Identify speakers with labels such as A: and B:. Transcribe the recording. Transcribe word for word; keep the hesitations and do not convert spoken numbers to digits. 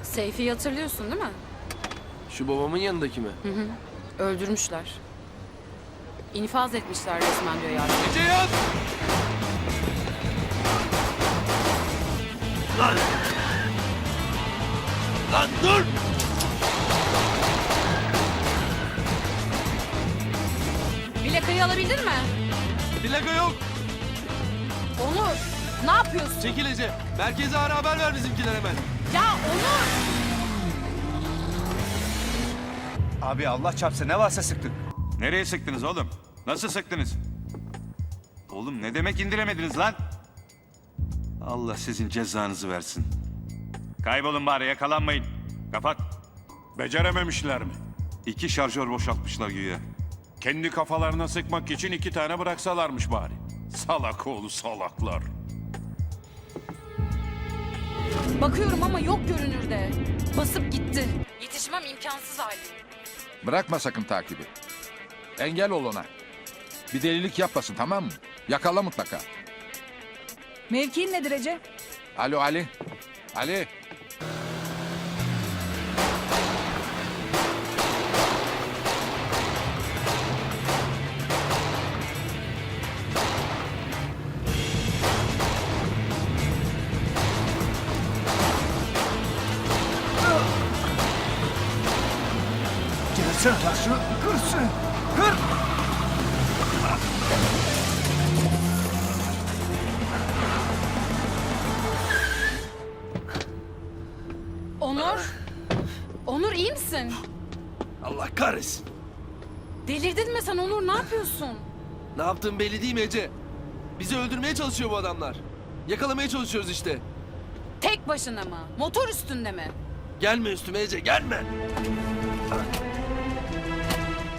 A: Seyfi'yi hatırlıyorsun değil mi?
B: Şu babamın yanındaki mi?
A: Hı hı. Öldürmüşler. İnfaz etmişler resmen diyor yargı.
B: Gece yat! Lan! Lan dur!
A: Plakayı alabildin mi?
B: Plaka yok.
A: Onur, ne yapıyorsun?
B: Çekil Ece. Merkeze ara haber ver bizimkiler hemen.
A: Ya Onur!
C: Abi Allah çarpsın ne varsa sıktık.
D: Nereye sıktınız oğlum? Nasıl sıktınız? Oğlum ne demek indiremediniz lan? Allah sizin cezanızı versin. Kaybolun bari, yakalanmayın. Kapat.
E: Becerememişler mi?
D: İki şarjör boşaltmışlar güya.
E: Kendi kafalarına sıkmak için iki tane bıraksalarmış bari. Salak oğlu salaklar.
A: Bakıyorum ama yok görünürde. Basıp gitti. Yetişmem imkansız hali.
F: Bırakma sakın takibi. Engel ol ona. Bir delilik yapmasın, tamam mı? Yakala mutlaka.
G: Mevkiin nedir Ece?
F: Alo Ali. Ali.
C: Kırsın taşı, kırsın. Kır.
A: Onur! Onur iyi misin?
B: Allah kahretsin.
A: Delirdin mi sen Onur? Ne yapıyorsun?
B: Ne yaptığın belli değil mi Ece? Bizi öldürmeye çalışıyor bu adamlar. Yakalamaya çalışıyoruz işte.
A: Tek başına mı? Motor üstünde mi?
B: Gelme üstüme Ece, gelme.